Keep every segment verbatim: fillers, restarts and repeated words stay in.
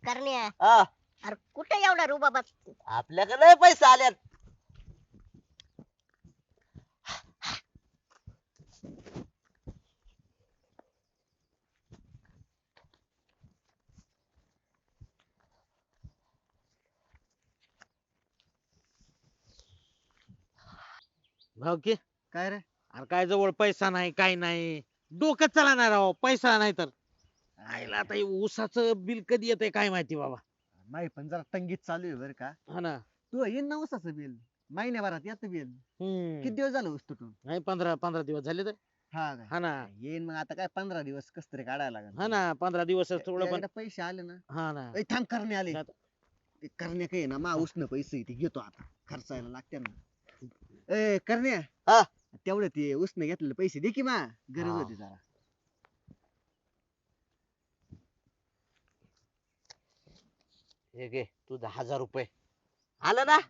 करण्या हा अरे कुठे एवढा रुबाब आपल्याकडे लय पैसे आल्यात. भाऊ की काय रे? अरे काय जवळ पैसा नाही काय नाही डोकं चालणार राव पैसा नाही तर आईला आता हे ऊसाचं बिल कधी येतंय काय माहिती बाबा. माही पण जरा तंगीत चालू आहे बरं का. हा ना. तू येईन ना उसाचं बिल महिन्याभरात येतं बिल. हम्म किती दिवस झालं ऊस तुटून? नाही पंधरा पंधरा दिवस झाले तर. हा काय? हा ना. येईन मग आता काय पंधरा दिवस कस तरी काढायला लागेल. हा ना पंधरा दिवस थोडं पण. एकदा पैसे आले ना. हा ना. ए, थांब करणे आले. आता- ते करण्या काही ना मा उसनं पैसे ते घेतो आता खर्चायला लागते ना. ए करण्या हा तेवढं ते उसनं घेतलेले पैसे दे की मा गरज हा. होती जरा. हे घे तुझा हजार रुपये आलं ना.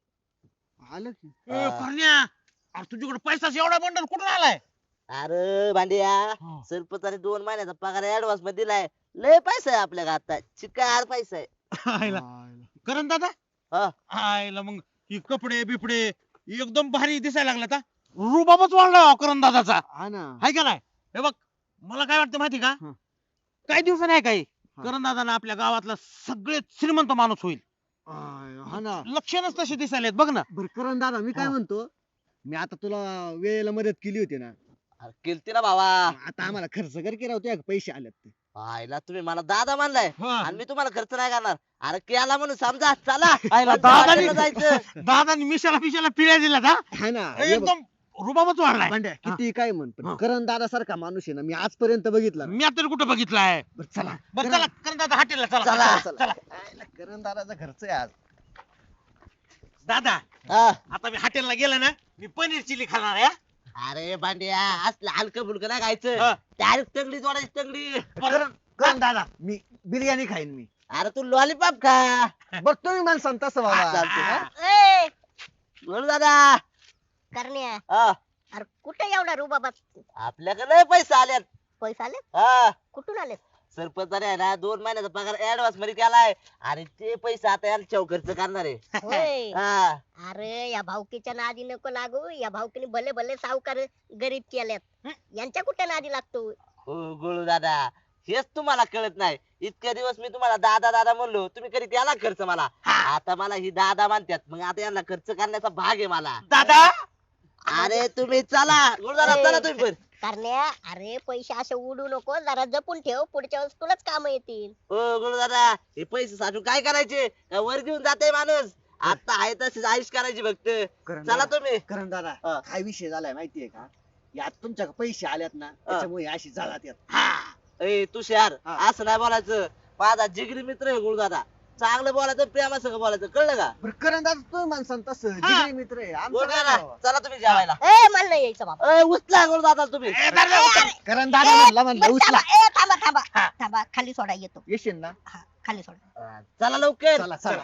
आलं की. ए, करण्या अरे तुझ्याकडे पैसा एवढा बंडल कुठून आलाय? अरे भांड्या हा. सरपंचाने दोन महिन्याचा पगार ऍडव्हान्स मध्ये दिलाय. लय पैसा आहे आपल्या आता चिकार पैसा आहे. आईला. करण दादा हा आईला मग ही कपडे बिपडे एकदम भारी दिसायला लागला आता रुबाबच वाढला करण दादाचा. हा ना. हाय का नाही? हे बघ मला काय वाटतं माहिती का हं. काही दिवसांनी आहे काही हा. करण दादा आपल्या गावातला सगळ्यात श्रीमंत माणूस होईल. आय, हा ना. लक्षणच तसे दिसायलेत बघ ना. बर करण दादा मी काय हा. म्हणतो, मी आता तुला वेळेला मदत केली होती ना, अरे केलती ना भावा. आता आम्हाला खर्च कर की राव तुझ्या पैसे आलेत ते. आईला तुम्ही मला दादा मानलाय हा. आणि मी तुम्हाला खर्च नाही करणार. अरे केला म्हणून समजा चला आईला आमच्या दादानी- हॉटेलला जायचं. दादानी मिशाला पिशाला पिळ्या दिला का हा ना. हे बघ, एकदम रुबाबच वाढलाय. भांड्या, किती काय म्हण पण हा. करण दादा सारखा माणूस आहे ना मी आजपर्यंत बघितला नाही. मी आता कुठं बघितलाय. बरं, चला बरं चला करण दादा हॉटेलला चला. चला. चला. आयला करण दादाचा खर्च आहे आज. दादा हा. आता मी हॉटेलला गेला ना मी पनीर चिली खाणार आहे. अरे भांड्या असलं हलकं फुलकं नाही खायचं. हा. डायरेक्ट तंगडी जोडायची तंगडी. करण करण दादा मी बिर्याणी खाईन मी. अरे तू लॉलीपॉप खा. बघ तुम्ही मला सांगता तसं बाबा. चालतंय. हा. ए बोल दादा. करण्या हा. अरे कुठे एवढा रुबाब आपल्याकडे लय पैसे आल्यात. पैसे आले हा कुठून आले सरपंचाने आहे ना दोन महिन्याचा पगार ऍडव्हान्स मध्ये केलाय आणि ते पैसे आता यांच्या खर्च करणार आहे. होय हा. अरे या भाऊकीच्या नादी नको लागू. या भाऊकीने भले भले सावकार गरीब केल्यात यांच्या कुठे नादी लागतो. हो गुळू दादा हेच तुम्हाला कळत नाही. इतके दिवस मी तुम्हाला दादा दादा म्हणलो तुम्ही कधी केला खर्च मला. आता मला ही दादा मानतात मग आता यांना खर्च करण्याचा भाग आहे मला. दादा अरे तुम्ही चला गुळू दादा चला तुम्ही पण. करण्या अरे पैसे असे उडू नको जरा जपून ठेव पुढच्या वेळेस तुलाच काम येतील. हो गुळू दादा हे पैसे साठवून काय करायचे का वर घेऊन जाते माणूस. आता आहे तशीच आयुष करायची फक्त. करण चला दादा, तुम्ही. करण दादा हा. काय विषय झालाय माहितीये का, यात तुमच्या पैसे आल्यात ना त्याच्यामुळे अशी झालात यात. ए तुषार हा. असं नाही बोलायचं. माझा जिगरी मित्र आहे गुळू दादा. चांगलं बोलायचं प्रेमासंग बोलायचं कळलं का. बरं करण दादा तुम्ही मला सांगता तसं जिगरी मित्र आहे आमचं गुळू काय दादा राव? चला तुम्ही जेवायला. ए मला नाही यायचं बाबा. ए उचला गुळू दादा तुम्ही. ए, दादा, उचल. करण दादा म्हणला म्हणला बरं, उचला. थांबा, ए, थांबा थांबा थांबा खाली सोडा येतो. येशील ना. हा, खाली सोडा. अं, चला लवकर. चला चला.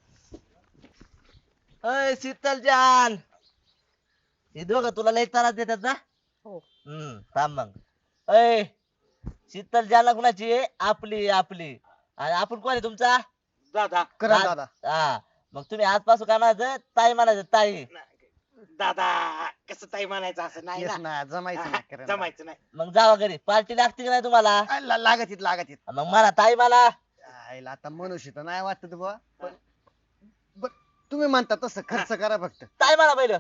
अय शीतल जान हे दोघं तुला लय त्रास देतात ना. हो. हम्म थांब मग. अय शीतल जान कुणाची आहे? आपली आपली आणि आपण कोण आहे तुमचा दादा करण दादा हा मग तुम्ही आजपासून काय म्हणायचं ताई म्हणायचं ताई. दादा कसं ताई म्हणायचं असं नाही येस ना. ना जमायचं ना करण दादा. जमायचं नाही. मग जावा घरी पार्टी लागते की नाही तुम्हाला. आ, ला- लागत येत लागत येत. मग मला ताई मला. आईला आता मनुष्य तर नाही वाटत बुवा पण बर, तुम्ही म्हणता तसं खर्च करा फक्त. ताई मला पहिलं.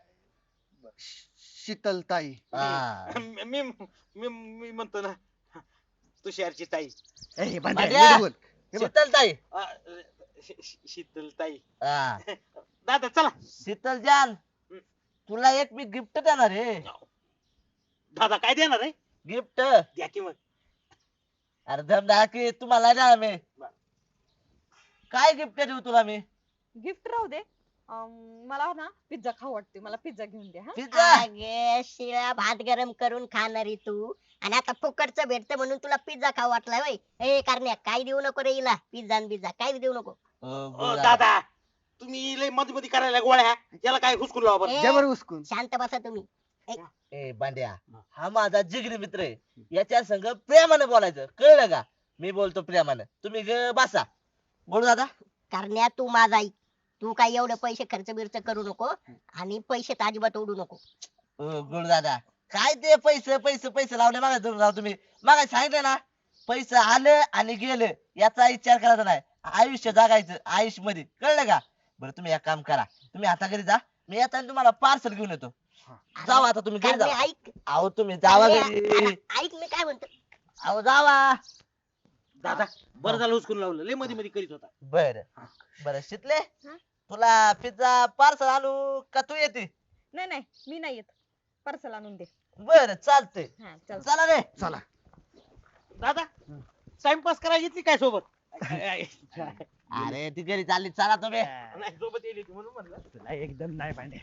शीतलताई. हा. मी मी मी म्हणतो ना तुषारची ताई ए, भांड्या, भांड्या. नीट बोल. हे बघ, शीतल ताई. अ, शी- शी- शीतल ताई. हा दादा चला. शीतल जान तुला एक मी गिफ्ट देणार आहे. दादा काय देणार आहे? गिफ्ट. द्या की मग. अरे धमदा की तुम्हाला देणार मी. काय गिफ्ट देऊ तुला मी. गिफ्ट राहू दे. अं, मला ना पिझ्झा खाऊ वाटते, मला पिझ्झा घेऊन द्या हा. पिझ्झा. अगे शिळा भात गरम करून खाणारी तू आणि आता फुकटचं भेटतं म्हणून तुला पिझ्झा खाऊ वाटलाय वय. ए करण्या काय देऊ नको रे हिला पिझ्झा आणि पिझ्झा काय देऊ नको. अ, अ, बोला. दादा तुम्ही लय मध्ये मध्ये करायला गोळ्या याला काय हुसकून लावा बरं. ए, द्या बरं उचकून. शांत बसा तुम्ही. ए बांड्या हा माझा जिगरी मित्र आहे. याच्या संग प्रेमाने बोलायचं कळलं का. मी बोलतो प्रेमानं तुम्ही ग बसा. बोलू दादा. करण्या तू माझा ऐक. तू काय एवढे पैसे खर्च बिर्च करू नको आणि पैसे तर अजिबात उडू नको. गुरु दादा काय ते पैसे पैसे पैसे लावले मागा राव तुम्ही. मागा सांगितलं ना पैसे आलं आणि गेलं याचा विचार करायचा नाही. आयुष्य जगायचं आयुष्य मध्ये कळलं का. बरं तुम्ही एक काम करा तुम्ही आता घरी जा. मी येताना तुम्हाला पार्सल घेऊन येतो. जावा आता तुम्ही घरी करण्या जावा. ऐक. अहो तुम्ही जावा करण्या, घरी. अरे ऐक मी काय म्हणतो. अहो जावा. दादा बरं झालं हुसकून लावलं लय मध्ये मध्ये करीत होता. बर बर शितले हा? तुला पिझ्झा पार्सल आणू का तू येते. नाही नाही मी नाही येत. पार्सल आणून दे. बर चालतंय. हा चल. चला रे. चला दादा टाइमपास करायची ती काय सोबत अरे ती घरी चालली चला तुम्ही. नाही सोबत येईल ती म्हणून म्हणलं तुला एकदम नाही भांडे.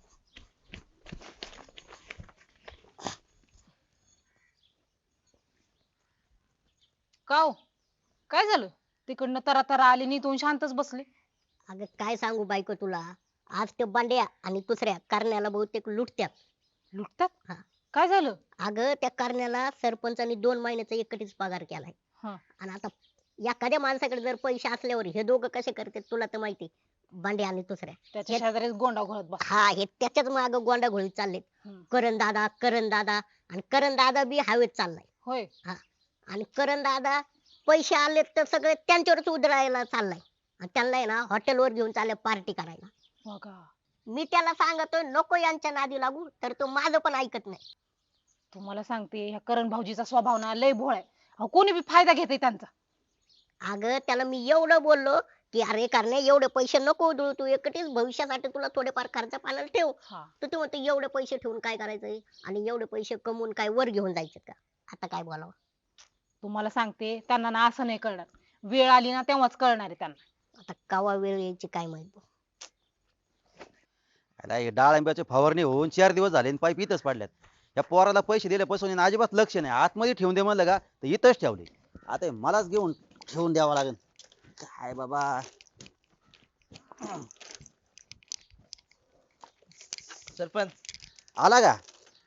का हो? काय झालं तिकडनं तरा तरा आली नी तू शांतच बसली. अगं काय सांगू बायको तुला. आज ते बांड्या आणि दुसऱ्या करण्याला बहुतेक लुटत्यात. लुटतात हा. काय झालं. अगं त्या करण्याला सरपंचानी दोन महिन्याचा एकटीच पगार केलाय. हा. आणि आता एखाद्या माणसाकडे जर पैसे असल्यावर हे दोघं कसे करतात तुला तर माहिती. बांड्या आणि दुसऱ्या त्याच्या शेजारीच गोंडा घोळत बस. हा हे त्याच्याच माग गोंडा घोळीत चाललेत. हम्म. करण दादा करण दादा आणि करण दादा बी हवेत चाललाय. होय. आणि करण दादा पैसे आले तर सगळे त्यांच्यावरच उधळायला चाललाय. आणि त्यांना आहे ना हॉटेलवर घेऊन चालले पार्टी करायला. बघा मी त्याला सांगतोय नको यांच्या नादी लागू तर तो माझं पण ऐकत नाही. तुम्हाला सांगते ह्या करण भाऊजीचा स्वभाव ना लय भोळ आहे. अहो, कोणी बी फायदा घेते त्यांचा. अगं त्याला मी एवढं बोललो की अरे करणे एवढे पैसे नको उधळू तू एकटीच भविष्यासाठी तुला थोडेफार खर्च पाण्याला ठेव. हा. तर तू म्हणतो एवढे पैसे ठेवून काय करायचंय आणि एवढे पैसे कमवून काय वर घेऊन जायचे का. आता काय बोलावं. तुम्हाला सांगते त्यांना ना असं नाही कळणार. वेळ आली ना तेव्हाच कळणार आहे त्यांना. आता कवा वेळ यायची काय माहित. याला हे डाळिंबाची फवारणी होऊन चार दिवस झाले आणि पाईप इथंच पडल्यात. या पोराला पैसे दिल्यापासून यानं अजिबात लक्ष नाही. आतमध्ये ठेवून दे म्हणलं का तर इथंच ठेवले. आता हे मलाच घेऊन ठेवून द्यावं लागेल. काय बाबा. सरपंच आला का.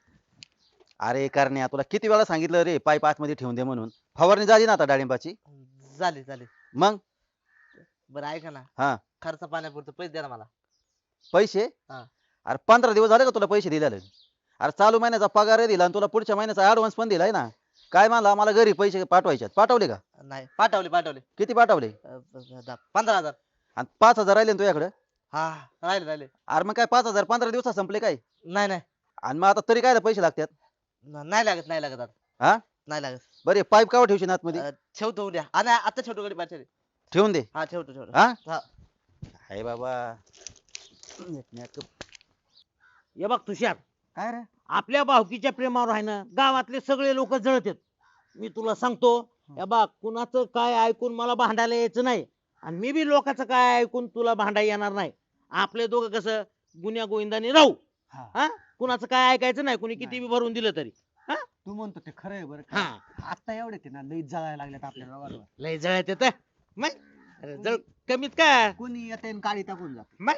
अरे करण्या तुला किती वेळा सांगितलं रे पाईप आतमध्ये ठेवून दे म्हणून. फवारणी झाली ना आता डाळिंबाची. झाली झाली. मग बरं ऐका ना हा खर्च पाण्यापुरतं पैसे द्या ना मला. पैसे. हा. अरे पंधरा दिवस झाले का तुला पैसे दिलेले. अरे चालू महिन्याचा पगार दिला आणि तुला पुढच्या महिन्याचा ऍडव्हान्स पण दिलाय ना. काय म्हणला मला घरी पैसे पाठवायचे पाठवले का. नाही पाठवले पाठवले. किती पाठवले. अं, द- पंधरा हजार. आणि पाच हजार राहिले ना तुझ्याकडे. हा राहिले राहिले. अरे मग काय पाच हजार पंधरा दिवसात संपले काय. नाही नाही आणि मग आता तरी काय पैसे लागतात. न- नाही लागत नाही लागत आता. हा नाही लागत. बरे पाईप कावर ठेवशील आतमध्ये. अं, ठेवतो उद्या. आ, नाही, आता ठेवतो गडी पाठवले. ठेवून दे. हा ठेवतो ठेवतो. हा हा. हाय बाबा. नीटनेटकं. हे बघ तुषार काय रे. आपल्या भावकीच्या प्रेमावर आहे ना गावातले सगळे लोक जळतात. मी तुला सांगतो हे बघ कुणाचं काय ऐकून मला भांडायला यायचं नाही. आणि मी बी लोकांचं काय ऐकून तुला भांडायला येणार नाही. आपले दोघं कसं गुन्ह्या गोविंदाने राहू. हा. हा कुणाचं काय ऐकायचं नाही. कुणी किती बी भरून दिलं तरी. तू म्हणतो ते खरं आहे बरं हा का. आता एवढे ते ना लई जळायला लागल्यात आपल्या गावाला. लय जळत येत मग. अरे जळ कमीत काय कोणी येते आणि काळी टाकून जात. मग.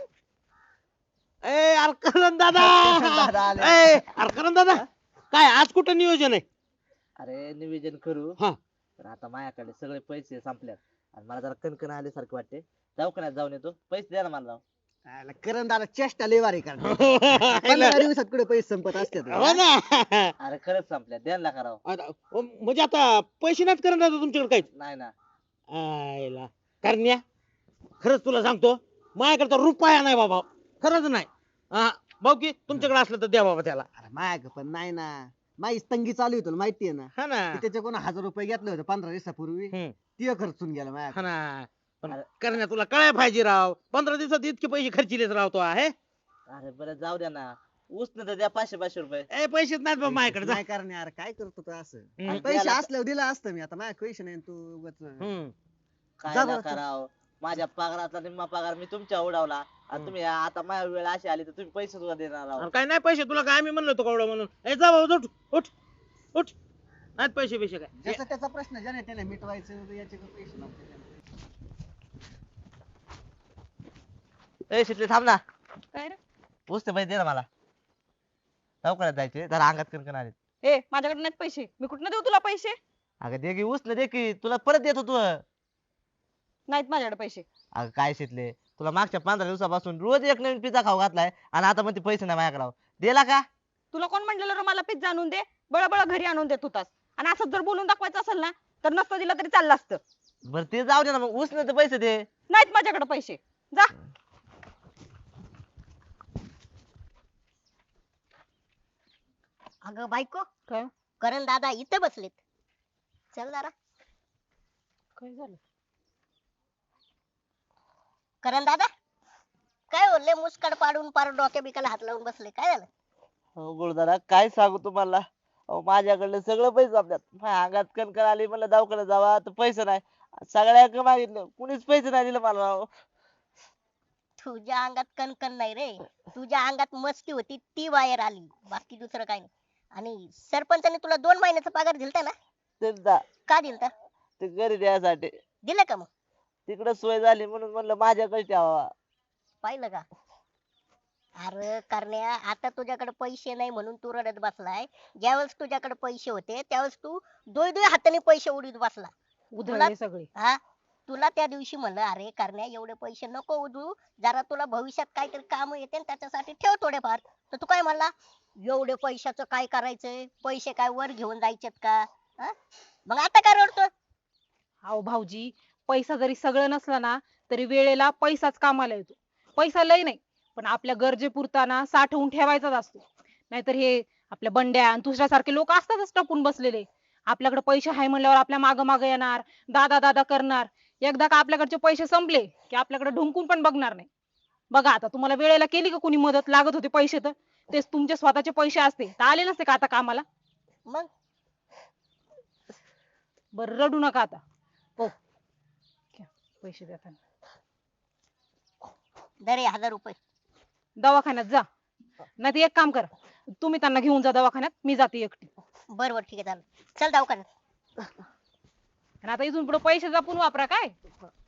ए अरे करण दादा दादा आले. ए अरे करण दादा काय आज कुठं नियोजन आहे. अरे निवेदन करू. हा. पण आता माझ्याकडे सगळे पैसे संपल्यात आणि मला जरा कणकण आल्यासारखं वाटते. दवाखान्यात जाऊन येतो. पैसे द्या ना मला राव. आला करण दादा चेष्टा लई भारी करणार. पंधरा दिवसात कुठे पैसे संपत असतात. हो ना. अरे खरंच संपल्यात द्या ना राव. आता, अ, म्हणजे आता पैसे नाहीत करणार तुमच्याकडे काहीच. नाही ना. आयला करण्या खरंच तुला सांगतो माझ्याकडे तर रुपया नाही बाबा. खरंच नाही. हा भाऊ की तुमच्याकडे असलं तर द्या बाबा त्याला. अरे माग पण नाही ना. माझी तंगी चालू आहे तुला माहितीये ना. हा ना. मी त्याच्याकडून हजार रुपये घेतले होते पंधरा दिवसापूर्वी. हम्म. ते खर्चून गेला माझ्या. हा ना. पण करण्या तुला कळाय पाहिजे राव. पंधरा दिवसात इतके पैसे खर्चिलेच राव तो आहे. अरे बरं जाऊ द्या ना. ऊस न तर द्या पाचशे पाचशे रुपये. ए पैसेच नाहीत बाबा माझ्याकडे जा. नाही करणे यार काय करतो तू असं. हम्म. पैसे द्यायला- असल्यावर दिला असतं मी. आता माझ्या पैसे नाही तू उगाच- हम्म. काय जा ना बरं. कराव. माझ्या पगारातला निम्मा पगार मी तुमच्या उडवला आणि हम्म. तुम्ही आता माझ्या वेळ अशी आली तर तुम्ही पैसे सुद्धा देणार आहोत. अरे काय नाही पैसे तुला काय आम्ही म्हणलो होतो कवडा म्हणून. ए जा बाबा उठ उठ उठ. नाहीत पैसे पैसे काय. ज्याचा त्याचा प्रश्न ज्याने त्याने मिटवायचं याचे काही पैसे नव्हते. ए शिटले थांब ना. काय रे. पुसते पैसे दे ना मला. दवाखान्यात जायचे जरा अंगात कणकण आले. ए माझ्याकडे नाहीत पैसे. मी कुठनं देऊ तुला पैसे. अगं दे की उचल दे की तुला परत देतो तू. नाहीत माझ्याकडे पैसे. अगं काय शिकले तुला मागच्या पंधरा दिवसापासून रोज एक नवीन पिझ्झा खाऊ घातलाय आणि आता मग ते पैसे नाही माझ्याकडे राव. दिला का? तुला कोण म्हटलेलं रे मला पिझ्झा आणून दे? बळबळ घरी आणून देत होतास. आणि असं जर बोलून दाखवायचं असेल ना तर नसतं दिलं तरी चाललं असतं. बरं ते जाऊ दे ना मग उचल पैसे दे. नाहीत माझ्याकडे पैसे. जा. अगं बायको काय करण दादा इथे बसलेत. चल जरा. काय झालं? करण दादा काय बोलले मुस्काड पाडून पार डोक्या बिकाला हात लावून बसले काय झालं? हो गुरुदादा काय सांगू तुम्हाला. अहो माझ्याकडले सगळं पैसे आपल्यात माझ्या अंगात कणकण आली म्हणलं दवाखान्यात जावा तर पैसे नाही. सगळ्या मागितलं कुणीच पैसे नाही दिले मला राव. तुझ्या अंगात कणकण नाही रे, तुझ्या अंगात मस्ती होती ती बाहेर आली, बाकी दुसरं काही नाही. आणि सरपंचाने तुला दोन महिन्याचा पगार दिलता ना? त्यांचा का दिलता? ते घरी द्यायसाठी दिलं का मग? तिकडे सोय झाली म्हणून म्हणलं माझ्याकडे ठेवा. पाहिलं का? अरे करण्या आता तुझ्याकडे पैसे नाही म्हणून तू रडत बसलाय. ज्यावेळेस तुझ्याकडे पैसे होते त्यावेळेस तू दोय दोय हाताने पैसे उडीत बसला. उधळले सगळे. हा तुला त्या दिवशी म्हणलं अरे करण्या एवढे पैसे नको उधळू, जरा तुला भविष्यात काहीतरी काम येते न त्याच्यासाठी ठेव थोडेफार. तर तू काय म्हणला एवढे पैशाचं काय करायचंय, पैसे काय वर घेऊन जायचेत का? हा? मग आता काय रडतो? अहो भाऊजी, पैसा जरी सगळं नसलं ना तरी वेळेला पैसाच कामाला येतो. पैसा लय नाही पण आपल्या गरजेपुरता ना साठवून ठेवायचाच असतो. नाहीतर हे आपल्या बंड्या आणि तुझ्यासारखे लोक असतातच टपून बसलेले. आपल्याकडे पैसे आहे म्हणल्यावर आपल्या माग माग येणार, दादा दादा करणार. एकदा का आपल्याकडचे पैसे संपले की आपल्याकडे ढुंकून पण बघणार नाही. बघा आता तुम्हाला वेळेला केली का कोणी मदत? लागत होते पैसे तर तेच तुमचे स्वतःचे पैसे असते तर आले नसते का आता कामाला? मग बरं रडू नका आता. हो घ्या, पैसे देताना दरे हजार रुपये. दवाखान्यात जा. नाही तर एक काम करा, तुम्ही त्यांना घेऊन जा दवाखान्यात, मी जाते एकटी. बर बर ठीक आहे चालेल. चल दवाखान्यात. आणि आता इथून पुढे पैसे जपून वापरा काय.